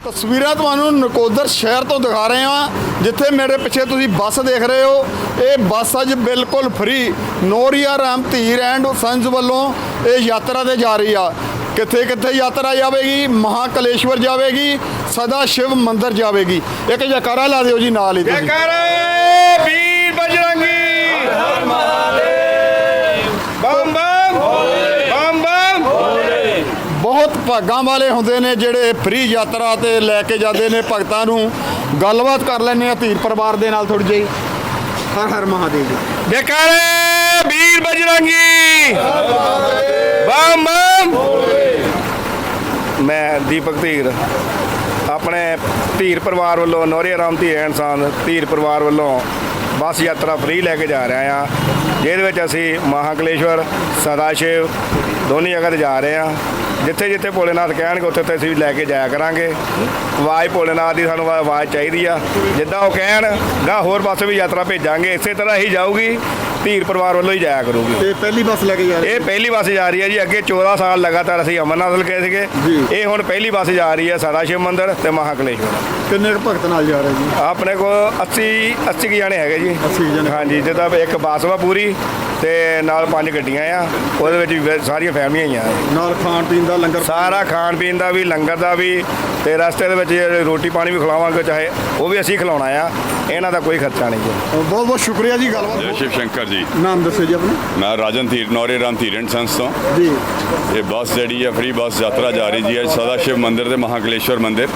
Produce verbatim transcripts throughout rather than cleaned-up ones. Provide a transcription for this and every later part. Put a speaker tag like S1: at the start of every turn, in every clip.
S1: ਤਸਵੀਰਾਂ ਤੁਹਾਨੂੰ ਨਕੋਦਰ ਸ਼ਹਿਰ ਤੋਂ ਦਿਖਾ ਰਹੇ ਹਾਂ, ਜਿੱਥੇ ਮੇਰੇ ਪਿੱਛੇ ਤੁਸੀਂ ਬੱਸ ਦੇਖ ਰਹੇ ਹੋ। ਇਹ ਬੱਸ ਅੱਜ ਬਿਲਕੁਲ free Noria Ram Dhir and sons ਵੱਲੋਂ ਇਹ ਯਾਤਰਾ ਤੇ ਜਾ ਰਹੀ ਆ। ਕਿੱਥੇ ਕਿੱਥੇ ਯਾਤਰਾ ਜਾਵੇਗੀ? ਮਹਾਕਲੇਸ਼ਵਰ ਜਾਵੇਗੀ, ਸਦਾ ਸ਼ਿਵ ਮੰਦਿਰ ਜਾਵੇਗੀ। ਇੱਕ ਜੈਕਾਰਾ ਲਾ ਦਿਓ ਜੀ ਨਾਲ ਹੀ ਤੁਸੀਂ।
S2: ਜੈਕਾਰਾ ਵੀਰ ਬਜਰੰਗੀ ਬੰਮ ਬੰਮ ਬੰਮ ਬੰਮ।
S1: ਬਹੁਤ ਭਾਗਾਂ ਵਾਲੇ ਹੁੰਦੇ ਨੇ ਜਿਹੜੇ ਫ੍ਰੀ ਯਾਤਰਾ ਤੇ ਲੈ ਕੇ ਜਾਂਦੇ ਨੇ ਭਗਤਾਂ ਨੂੰ। ਗੱਲਬਾਤ ਕਰ ਲੈਂਦੇ ਆ ਧੀਰ ਪਰਿਵਾਰ ਦੇ ਨਾਲ ਥੋੜੀ ਜਿਹੀ। ਹਰ ਹਰ ਮਹਾਦੇਵ ਜੀ।
S2: ਜੈਕਾਰਾ ਵੀਰ ਬਜਰੰਗੀ ਬੰਮ ਬੰਮ। ਮੈਂ ਦੀਪਕ ਧੀਰ ਆਪਣੇ ਧੀਰ ਪਰਿਵਾਰ ਵੱਲੋਂ ਨੋਰੀਆ ਰਾਮ ਧੀਰ ਐਂਡ ਸੰਸ ਧੀਰ ਪਰਿਵਾਰ ਵੱਲੋਂ ਬੱਸ ਯਾਤਰਾ ਫ੍ਰੀ ਲੈ ਕੇ ਜਾ ਰਹੇ ਹਾਂ, ਜਿਹਦੇ ਵਿੱਚ ਅਸੀਂ ਮਹਾਕਲੇਸ਼ਵਰ ਸਦਾ ਸ਼ਿਵ ਦੋਨੀ ਜਗ੍ਹਾ 'ਤੇ ਜਾ ਰਹੇ ਹਾਂ। ਜਿੱਥੇ ਜਿੱਥੇ ਭੋਲੇਨਾਥ ਕਹਿਣਗੇ ਉੱਥੇ ਉੱਥੇ ਅਸੀਂ ਵੀ ਲੈ ਕੇ ਜਾਇਆ ਕਰਾਂਗੇ। ਆਵਾਜ਼ ਭੋਲੇਨਾਥ ਦੀ ਸਾਨੂੰ ਆਵਾਜ਼ ਚਾਹੀਦੀ ਆ, ਜਿੱਦਾਂ ਉਹ ਕਹਿਣ ਗਾ ਹੋਰ ਪਾਸੇ ਵੀ ਯਾਤਰਾ ਭੇਜਾਂਗੇ। ਇਸੇ ਤਰ੍ਹਾਂ ਹੀ ਜਾਊਗੀ, ਧੀਰ ਪਰਿਵਾਰ ਵੱਲੋਂ ਹੀ ਜਾਇਆ ਕਰੂਗੀ।
S1: ਇਹ ਪਹਿਲੀ ਬੱਸ ਲੈ ਕੇ ਜਾ ਰਹੀ
S2: ਇਹ ਪਹਿਲੀ ਬੱਸ ਜਾ ਰਹੀ ਹੈ ਜੀ। ਅੱਗੇ ਚੌਦਾਂ ਸਾਲ ਲਗਾਤਾਰ ਅਸੀਂ ਅਮਰਨਾਥ ਗਏ ਸੀਗੇ, ਇਹ ਹੁਣ ਪਹਿਲੀ ਬੱਸ ਜਾ ਰਹੀ ਹੈ ਸਦਾ ਸ਼ਿਵ ਮੰਦਿਰ ਤੇ ਮਹਾਕਲੇਸ਼ਵਰ।
S1: ਕਿੰਨੇ ਕੁ ਭਗਤ ਨਾਲ ਜਾ ਰਹੇ ਜੀ?
S2: ਆਪਣੇ ਕੋਲ ਅੱਸੀ ਅੱਸੀ ਕੁ ਜਾਣੇ ਹੈਗੇ ਜੀ।
S1: ਅੱਸੀ ਜਣੇ।
S2: ਹਾਂਜੀ, ਜਿੱਦਾਂ ਇੱਕ ਬੱਸ ਵਾ ਪੂਰੀ ਤੇ ਨਾਲ ਪੰਜ ਗੱਡੀਆਂ ਆ, ਉਹਦੇ ਵਿੱਚ ਵੀ ਸਾਰੀਆਂ ਫੈਮਲੀਆਂ ਹੀ ਆ।
S1: ਨਾਲ ਖਾਣ ਪੀਣ ਦਾ ਲੰਗਰ,
S2: ਸਾਰਾ ਖਾਣ ਪੀਣ ਦਾ ਵੀ, ਲੰਗਰ ਦਾ ਵੀ, ਤੇ ਰਸਤੇ ਦੇ ਵਿੱਚ ਰੋਟੀ ਪਾਣੀ ਵੀ ਖਿਲਾਵਾਂਗੇ, ਚਾਹੇ ਉਹ ਵੀ ਅਸੀਂ ਖਿਲਾਉਣਾ ਆ। ਇਹਨਾਂ ਦਾ ਕੋਈ ਖਰਚਾ ਨਹੀਂ ਜੀ।
S1: ਬਹੁਤ ਬਹੁਤ ਸ਼ੁਕਰੀਆ ਜੀ। ਗੱਲਬਾਤ
S3: जय शिव शंकर जी।
S1: ਨਾਮ ਦੱਸੋ ਜੀ ਆਪਣਾ।
S3: मैं राजन धीर नौरे राम धीर एंड संस तो
S1: ਜੀ
S3: ये बस जी है फ्री बस यात्रा जा रही जी है सदा शिव मंदिर ते महाकलेश्वर मंदिर।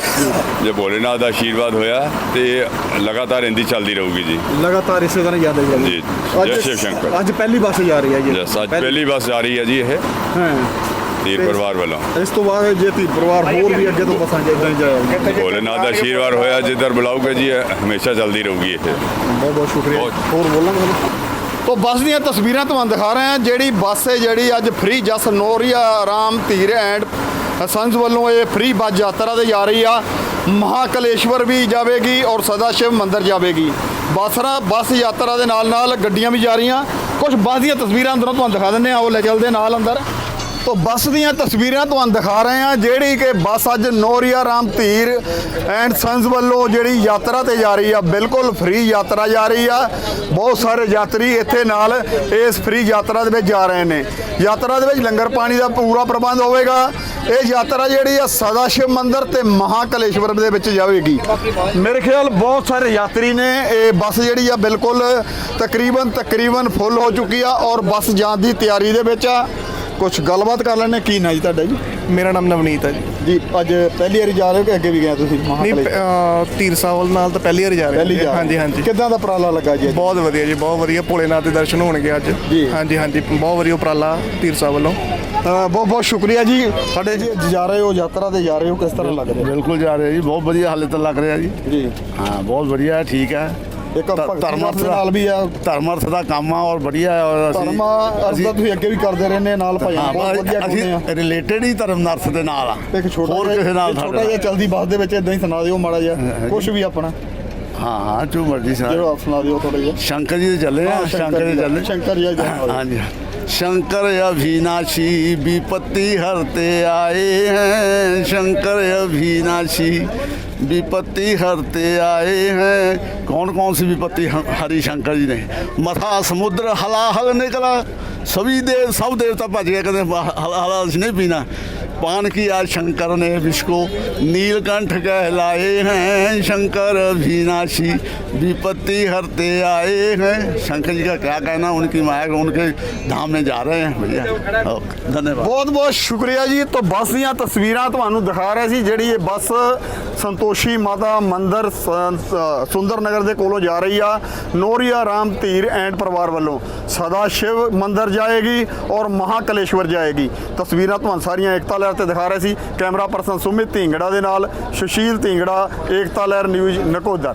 S3: जो भोलेनाथ का आशीर्वाद होया तो लगातार इंदी चलती रहूगी जी।
S1: ਲਗਾਤਾਰ ਇਸੇ ਤਰ੍ਹਾਂ ਯਾਦ ਆਈ
S3: जी जय शिव शंकर।
S1: ਅੱਜ ਪਹਿਲੀ ਬੱਸ ਜਾ ਰਹੀ ਹੈ ਜੀ।
S3: यस आज पहली बस जा रही है जी ये
S1: ਹਾਂ।
S3: धीर परिवार वालों।
S1: ਇਸ ਤੋਂ ਬਾਅਦ ਜੇ ਧੀਰ ਪਰਿਵਾਰ ਹੋਰ ਵੀ ਅੱਗੇ ਤੋਂ ਬੱਸਾਂ ਜਿੱਦਾਂ ਹੀ ਜਾਏਗੀ।
S3: भोलेनाथ का आशीर्वाद होया जिधर बुलाओगे जी हमेशा चलती रहूगी ये।
S1: ਬਹੁਤ ਬਹੁਤ ਸ਼ੁਕਰੀਆ।
S3: ਬਹੁਤ।
S1: ਹੋਰ ਬੋਲਾਂਗੇ तो ਬੱਸ ਦੀਆਂ ਤਸਵੀਰਾਂ ਤੁਹਾਨੂੰ ਦਿਖਾ ਰਹੇ ਹਾਂ। ਜਿਹੜੀ ਬੱਸ ਹੈ ਜਿਹੜੀ ਅੱਜ free Jas Noria Ram Dhir and sons ਵੱਲੋਂ ਇਹ ਫ੍ਰੀ ਬੱਸ ਯਾਤਰਾ ਤੇ ਜਾ ਰਹੀ ਆ। ਮਹਾਕਲੇਸ਼ਵਰ ਵੀ ਜਾਵੇਗੀ ਔਰ ਸਦਾ ਸ਼ਿਵ ਮੰਦਿਰ ਜਾਵੇਗੀ। ਬੱਸਰਾ ਬੱਸ ਯਾਤਰਾ ਦੇ ਨਾਲ ਨਾਲ ਗੱਡੀਆਂ ਵੀ ਜਾ ਰਹੀਆਂ। ਕੁਝ ਬੱਸ ਦੀਆਂ ਤਸਵੀਰਾਂ ਅੰਦਰੋਂ ਤੁਹਾਨੂੰ ਦਿਖਾ ਦਿੰਦੇ ਆ। ਉਹ ਲੈ ਚੱਲਦੇ ਨਾਲ ਅੰਦਰ। तो ਬੱਸ ਦੀਆਂ ਤਸਵੀਰਾਂ ਤੁਹਾਨੂੰ ਦਿਖਾ ਰਹੇ ਹਾਂ, ਜਿਹੜੀ ਕਿ ਬੱਸ ਅੱਜ ਨੋਰੀਆ ਰਾਮ ਧੀਰ ਐਂਡ ਸੰਸ ਵੱਲੋਂ ਜਿਹੜੀ ਯਾਤਰਾ ਤੇ ਜਾ ਰਹੀ ਆ। ਬਿਲਕੁਲ ਫ੍ਰੀ ਯਾਤਰਾ ਜਾ ਰਹੀ ਆ। ਬਹੁਤ ਸਾਰੇ ਯਾਤਰੀ ਇੱਥੇ ਨਾਲ ਇਸ ਫ੍ਰੀ ਯਾਤਰਾ ਦੇ ਵਿੱਚ ਜਾ ਰਹੇ ਨੇ। ਯਾਤਰਾ ਦੇ ਵਿੱਚ ਲੰਗਰ ਪਾਣੀ ਦਾ ਪੂਰਾ ਪ੍ਰਬੰਧ ਹੋਵੇਗਾ। ਇਹ ਯਾਤਰਾ ਜਿਹੜੀ ਆ ਸਦਾ ਸ਼ਿਵ ਮੰਦਿਰ ਤੇ ਮਹਾਕਲੇਸ਼ਵਰ ਦੇ ਵਿੱਚ ਜਾਵੇਗੀ। ਮੇਰੇ ਖਿਆਲ ਬਹੁਤ ਸਾਰੇ ਯਾਤਰੀ ਨੇ। ਇਹ ਬੱਸ ਜਿਹੜੀ ਆ ਬਿਲਕੁਲ ਤਕਰੀਬਨ ਤਕਰੀਬਨ ਫੁੱਲ ਹੋ ਚੁੱਕੀ ਆ ਔਰ ਬੱਸ ਜਾਣ ਦੀ ਤਿਆਰੀ ਦੇ ਵਿੱਚ ਆ। ਕੁਛ ਗੱਲਬਾਤ ਕਰ ਲੈਣੇ। ਕੀ ਨਾਂ ਜੀ ਤੁਹਾਡਾ ਜੀ?
S4: ਮੇਰਾ ਨਾਮ ਨਵਨੀਤ ਹੈ ਜੀ।
S1: ਜੀ ਅੱਜ ਪਹਿਲੀ ਵਾਰੀ ਜਾ ਰਹੇ ਹੋ ਕਿ ਅੱਗੇ ਵੀ ਗਏ ਤੁਸੀਂ?
S4: ਨਹੀਂ ਅਹ, ਧੀਰ ਸਾਹਿਬ ਨਾਲ ਤਾਂ ਪਹਿਲੀ ਵਾਰ ਜਾ ਰਹੇ
S1: ਪਹਿਲੀ
S4: ਹਾਂ।
S1: ਜਾ
S4: ਹਾਂਜੀ ਹਾਂਜੀ
S1: ਕਿੱਦਾਂ ਦਾ ਉਪਰਾਲਾ ਲੱਗਾ ਜੀ?
S4: ਬਹੁਤ ਵਧੀਆ ਜੀ, ਬਹੁਤ ਵਧੀਆ। ਭੋਲੇਨਾਥ ਦੇ ਦਰਸ਼ਨ ਹੋਣਗੇ ਅੱਜ।
S1: ਜੀ।
S4: ਹਾਂਜੀ ਹਾਂਜੀ ਬਹੁਤ ਵਧੀਆ ਉਪਰਾਲਾ ਧੀਰ ਸਾਹਿਬ ਵੱਲੋਂ।
S1: ਬਹੁਤ ਬਹੁਤ ਸ਼ੁਕਰੀਆ ਜੀ। ਸਾਡੇ ਜੀ ਜਾ ਰਹੇ ਹੋ ਯਾਤਰਾ ਤੇ ਜਾ ਰਹੇ ਹੋ, ਕਿਸ ਤਰ੍ਹਾਂ ਲੱਗ ਰਿਹਾ?
S5: ਬਿਲਕੁਲ ਜਾ ਰਹੇ ਜੀ, ਬਹੁਤ ਵਧੀਆ ਹਾਲੇ ਤਾਂ ਲੱਗ ਰਿਹਾ ਜੀ।
S1: ਜੀ
S5: ਹਾਂ ਬਹੁਤ ਵਧੀਆ ਹੈ, ਠੀਕ ਹੈ।
S1: ਇੱਕ ਭਗਤੀ
S5: ਧਰਮ ਅਰਥ
S1: ਦੇ ਨਾਲ ਵੀ ਆ।
S5: ਧਰਮ ਅਰਥ ਦਾ ਕੰਮ ਆ ਔਰ ਵਧੀਆ ਹੈ। ਔਰ ਅਸੀਂ
S1: ਧਰਮ ਅਰਥ ਦਾ ਤੁਸੀਂ ਅੱਗੇ ਵੀ ਕਰਦੇ ਰਹਿੰਦੇ ਨਾਲ ਭਾਈ।
S5: ਹਾਂ,
S1: ਬਹੁਤ ਵਧੀਆ ਕਰਦੇ ਆ।
S5: ਅਸੀਂ ਰਿਲੇਟਡ ਹੀ ਧਰਮ ਅਰਥ ਦੇ ਨਾਲ ਆ।
S1: ਇੱਕ ਛੋਟਾ
S5: ਹੋਰ
S1: ਜਿਹਾ
S5: ਕਿਸੇ ਨਾਲ
S1: ਛੋਟਾ
S5: ਸਾਡਾ
S1: ਜਿਹਾ ਚਲਦੀ ਬੱਸ ਦੇ ਵਿੱਚ ਇਦਾਂ ਹੀ ਸੁਣਾ ਦਿਓ ਮਾੜਾ ਜਿਹਾ ਕੁਝ ਵੀ ਆਪਣਾ।
S5: ਹਾਂ ਹਾਂ ਜੋ ਮਰਜ਼ੀ ਸੁਣਾ।
S1: ਜਿਹੜਾ ਆਪ ਸੁਣਾ ਦਿਓ ਥੋੜਾ ਜਿਹਾ।
S5: ਸ਼ੰਕਰ ਜੀ ਦੇ ਚੱਲੇ ਆ।
S1: ਹਾਂ,
S5: ਸ਼ੰਕਰ ਜੀ ਚੱਲੇ।
S1: ਸ਼ੰਕਰ ਜੀ ਦਾ।
S5: ਹਾਂਜੀ। शंकर अविनाशी विपत्ति हरते आए हैं। शंकर अविनाशी विपत्ति हरते आए हैं। कौन कौन सी विपत्ति हरी शंकर जी ने? मथा समुद्र हलाहल निकला, सभी देव सब देवता भज गए, कहते हला नहीं पीना। पान की आज शंकर ने विष को नीलकंठ कहलाए हैं। शंकर अविनाशी विपत्ति हरते आए हैं। शंकर जी का क्या कहना, उनकी माया उनके धाम में जा रहे हैं भैया। धन्यवाद।
S1: ਬਹੁਤ ਬਹੁਤ ਸ਼ੁਕਰੀਆ ਜੀ। ਤੋਂ ਬੱਸ ਦੀਆਂ ਤਸਵੀਰਾਂ ਤੁਹਾਨੂੰ ਦਿਖਾ ਰਹੇ ਸੀ। ਜਿਹੜੀ ਇਹ ਬੱਸ ਸੰਤੋਸ਼ੀ ਮਾਤਾ ਮੰਦਿਰ ਸੁੰਦਰ ਨਗਰ ਦੇ ਕੋਲੋਂ ਜਾ ਰਹੀ ਆ। ਨੋਰੀਆ ਰਾਮ ਧੀਰ ਐਂਡ ਪਰਿਵਾਰ ਵੱਲੋਂ ਸਦਾ ਸ਼ਿਵ ਮੰਦਿਰ ਜਾਏਗੀ ਔਰ ਮਹਾਕਲੇਸ਼ਵਰ ਜਾਏਗੀ। ਤਸਵੀਰਾਂ ਤੁਹਾਨੂੰ ਸਾਰੀਆਂ ਏਕਤਾ ਲਹਿਰ ਤੇ ਦਿਖਾ ਰਹੇ ਸੀ। ਕੈਮਰਾ ਪਰਸਨ ਸੁਮਿਤ ਢਿੰਗੜਾ ਦੇ ਨਾਲ ਸੁਸ਼ੀਲ ਢਿੰਗੜਾ, ਏਕਤਾ ਲਹਿਰ ਨਿਊਜ਼ ਨਕੋਦਰ।